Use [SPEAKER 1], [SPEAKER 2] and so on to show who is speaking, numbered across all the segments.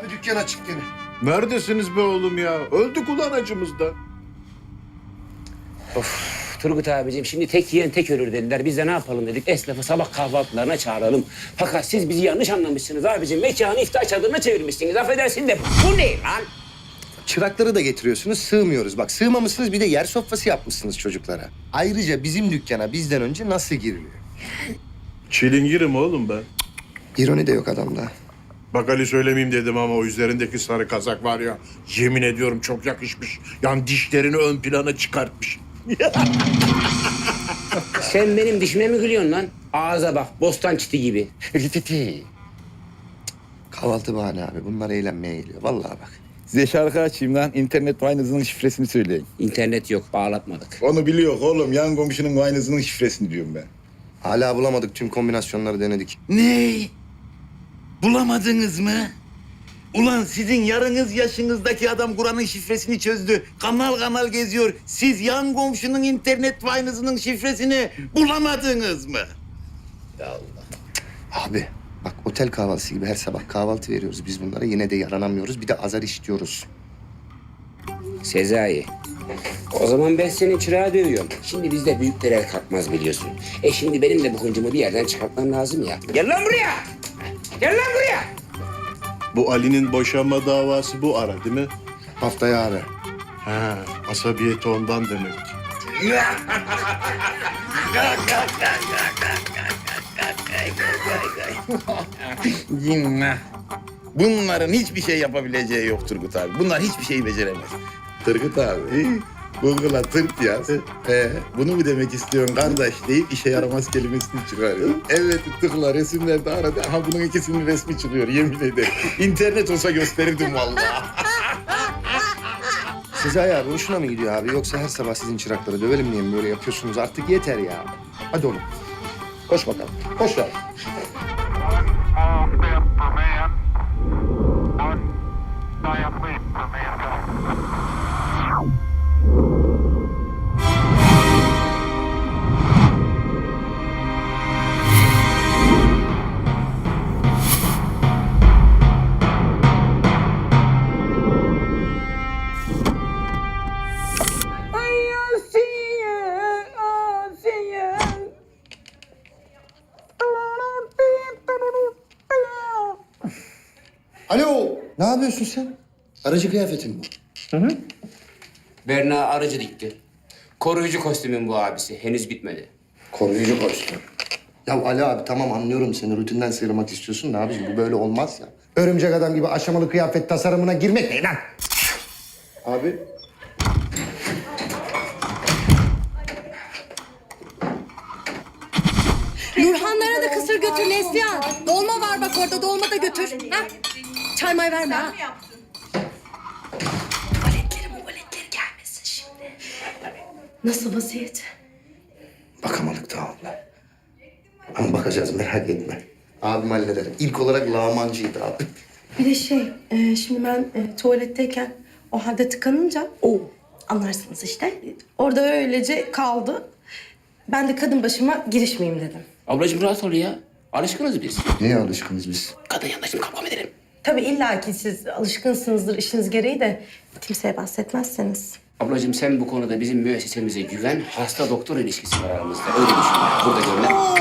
[SPEAKER 1] Abi dükkan açık gene.
[SPEAKER 2] Neredesiniz be oğlum ya? Öldük ulan acımızdan.
[SPEAKER 3] Turgut abicim şimdi tek yiyen tek ölür dediler. Biz de ne yapalım dedik. Esnafı sabah kahvaltılarına çağıralım. Fakat siz bizi yanlış anlamışsınız abicim. Mekanı iftar çadırına çevirmişsiniz. Affedersin de bu ne lan?
[SPEAKER 1] Çırakları da getiriyorsunuz, sığmıyoruz. Bak sığmamışsınız, bir de yer sofrası yapmışsınız çocuklara. Ayrıca bizim dükkana bizden önce nasıl giriliyor?
[SPEAKER 2] Çilingirim oğlum ben.
[SPEAKER 1] İroni de yok adamda.
[SPEAKER 2] Bak Ali söylemeyeyim dedim ama o üzerindeki sarı kazak var ya... ...yemin ediyorum çok yakışmış. Yani dişlerini ön plana çıkartmış.
[SPEAKER 3] Sen benim dişime mi gülüyorsun lan? Ağza bak, bostan çiti gibi.
[SPEAKER 1] Kahvaltı bahane abi. Bunlar eğlenmeye geliyor. Vallahi bak.
[SPEAKER 4] Size şarkı açayım lan. İnternet Wine'ınızın şifresini söyleyin.
[SPEAKER 3] İnternet yok, bağlatmadık.
[SPEAKER 4] Onu biliyor oğlum. Yan komşunun Wine'ınızın şifresini diyorum ben.
[SPEAKER 1] Hala bulamadık. Tüm kombinasyonları denedik.
[SPEAKER 5] Ne? Bulamadınız mı? Ulan sizin yarınız yaşınızdaki adam Kur'an'ın şifresini çözdü. Kanal kanal geziyor. Siz yan komşunun internet Wine'ınızın şifresini bulamadınız mı?
[SPEAKER 1] Abi bak otel kahvaltısı gibi her sabah kahvaltı veriyoruz biz bunlara. Yine de yaranamıyoruz. Bir de azar işliyoruz.
[SPEAKER 3] Sezai, o zaman ben senin çırağı dövüyorum. Şimdi bizde büyükler el kalkmaz biliyorsun. Şimdi benim de bu hıncımı bir yerden çıkartmam lazım ya. Gel lan buraya! Gel lan buraya!
[SPEAKER 2] Bu Ali'nin boşanma davası bu ara değil mi?
[SPEAKER 1] Haftaya abi.
[SPEAKER 2] Ha, asabiyeti ondan demek.
[SPEAKER 5] Cinnah. Bunların hiçbir şey yapabileceği yok Turgut abi. Bunlar hiçbir şeyi beceremez. Turgut abi, Google'a tırt yaz. Bunu mu demek istiyorsun kardeş deyip işe yaramaz kelimesini çıkarıyor. Evet tıkla resimlerde aradı. Aha bunun ikisinin resmi çıkıyor yemin ederim. İnternet olsa gösterirdim vallahi.
[SPEAKER 1] Sezai abi hoşuna mı gidiyor abi? Yoksa her sabah sizin çırakları dövelim diye mi böyle yapıyorsunuz? Artık yeter ya. Hadi oğlum. Koş bakalım. Koş lan.
[SPEAKER 6] Small step for man, one giant leap for mankind.
[SPEAKER 1] Alo. Ne yapıyorsun sen? Aracı kıyafetin bu.
[SPEAKER 3] Berna aracı dikti. Koruyucu kostümün bu abisi. Henüz bitmedi.
[SPEAKER 1] Koruyucu kostüm. Ya Ali abi tamam anlıyorum seni. Rutinden sıyrılmak istiyorsun da abiciğim bu böyle olmaz ya. Örümcek adam gibi aşamalı kıyafet tasarımına girmek ne lan? Abi.
[SPEAKER 7] Nurhanlara da kısır götür Neslihan. Dolma var bak orada, dolma da götür. Ha? Çay may verme ha. Tuvaletleri gelmesin şimdi. Nasıl vaziyet?
[SPEAKER 1] Bakamadık daha abla. Ama bakacağız merak etme. Abim halleder. İlk olarak lağmancıydı abi.
[SPEAKER 7] Bir de şimdi ben tuvaletteyken o halde tıkanınca anlarsınız işte. Orada öylece kaldı. Ben de kadın başıma girişmeyeyim dedim.
[SPEAKER 3] Ablacığım rahat ol ya. Alışkınız biz.
[SPEAKER 1] Neye alışkınız biz?
[SPEAKER 3] Kadın yanında şimdi kavga mı edelim?
[SPEAKER 7] Tabii illaki siz alışkınsınızdır işiniz gereği de kimseye bahsetmezseniz.
[SPEAKER 3] Ablacığım sen bu konuda bizim müessesemize güven. Hasta doktor ilişkisi var aramızda. Öyle düşün. Burada görünen.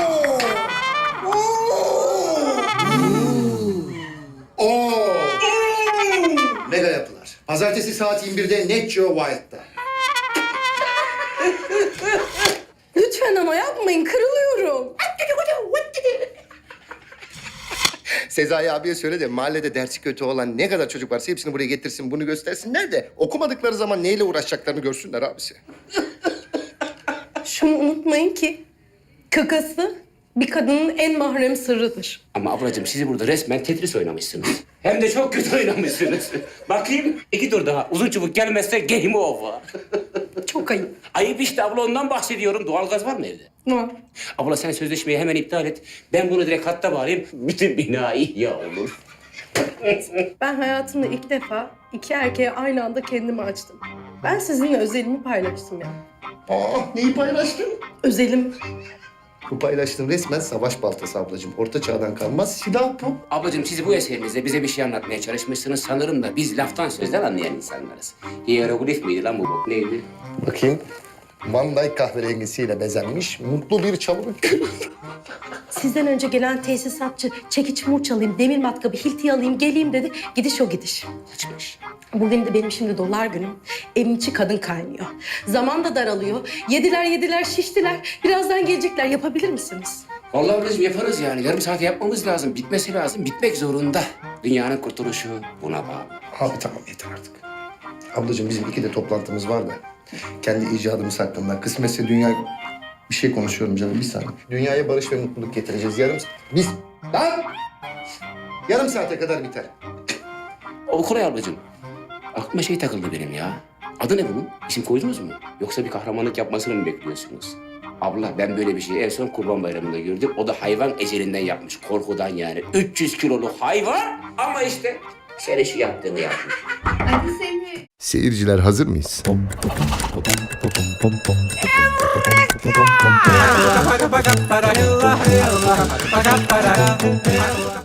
[SPEAKER 1] Mega yapılar. Pazartesi saat 21'de Net Geo Wild'da.
[SPEAKER 7] Lütfen ama yapmayın, kırılıyorum.
[SPEAKER 1] Sezai abiye söyle de mahallede dersi kötü olan ne kadar çocuk varsa hepsini buraya getirsin, bunu göstersinler de okumadıkları zaman neyle uğraşacaklarını görsünler abisi.
[SPEAKER 7] Şunu unutmayın ki kakası bir kadının en mahrem sırrıdır.
[SPEAKER 3] Ama ablacığım sizi burada resmen Tetris oynamışsınız. Hem de çok kötü oynamışsınız. Bakayım 2 tur daha. Uzun çubuk gelmezse game over.
[SPEAKER 7] Çok ayıp.
[SPEAKER 3] Ayıp işte abla ondan bahsediyorum. Doğalgaz var mı evde?
[SPEAKER 7] Var.
[SPEAKER 3] Abla sen sözleşmeyi hemen iptal et. Ben bunu direkt hatta bağlayayım. Bütün bina ihya olur.
[SPEAKER 7] Ben hayatımda ilk defa 2 erkeğe aynı anda kendimi açtım. Ben sizinle özelimi paylaştım ya.
[SPEAKER 1] Aa, neyi paylaştın?
[SPEAKER 7] Özelim.
[SPEAKER 1] Bu paylaştığın resmen savaş baltası ablacığım. Orta çağdan kalmaz silah bu.
[SPEAKER 3] Ablacığım siz bu eserinizde bize bir şey anlatmaya çalışmışsınız. Sanırım da biz laftan sözden anlayan insanlarız. Hieroglif miydi lan bu bok? Neydi?
[SPEAKER 1] Bakayım. Van Dyke kahverengisiyle bezenmiş mutlu bir çalılık.
[SPEAKER 7] Sizden önce gelen tesisatçı çekiç murç alayım, demir matkabı, hilti alayım, geleyim dedi. Gidiş o gidiş.
[SPEAKER 3] Kaçmış.
[SPEAKER 7] Bugün de benim şimdi dolar günüm. Evin içi kadın kaynıyor. Zaman da daralıyor. Yediler şiştiler. Birazdan gelecekler. Yapabilir misiniz?
[SPEAKER 3] Vallahi ablacığım yaparız yani. Yarım saat yapmamız lazım. Bitmesi lazım. Bitmek zorunda. Dünyanın kurtuluşu buna bağlı.
[SPEAKER 1] Abi tamam yeter artık. Ablacığım bizim 2'de toplantımız var da. Kendi icadımız hakkında. Kısmetse dünya... Bir şey konuşuyorum canım bir saniye. Dünyaya barış ve mutluluk getireceğiz. Biz... Lan! Yarım saate kadar biter.
[SPEAKER 3] O kolay ablacığım. Aklıma şey takıldı benim ya. Adı ne bunun? İsim koydunuz mu? Yoksa bir kahramanlık yapmasını mı bekliyorsunuz? Abla ben böyle bir şeyi en son Kurban Bayramı'nda gördüm. O da hayvan ecelinden yapmış. Korkudan yani. 300 kiloluk hayvan ama işte senin şu yaptığını yapmış.
[SPEAKER 8] Hadi seni.
[SPEAKER 1] Seyirciler hazır mıyız?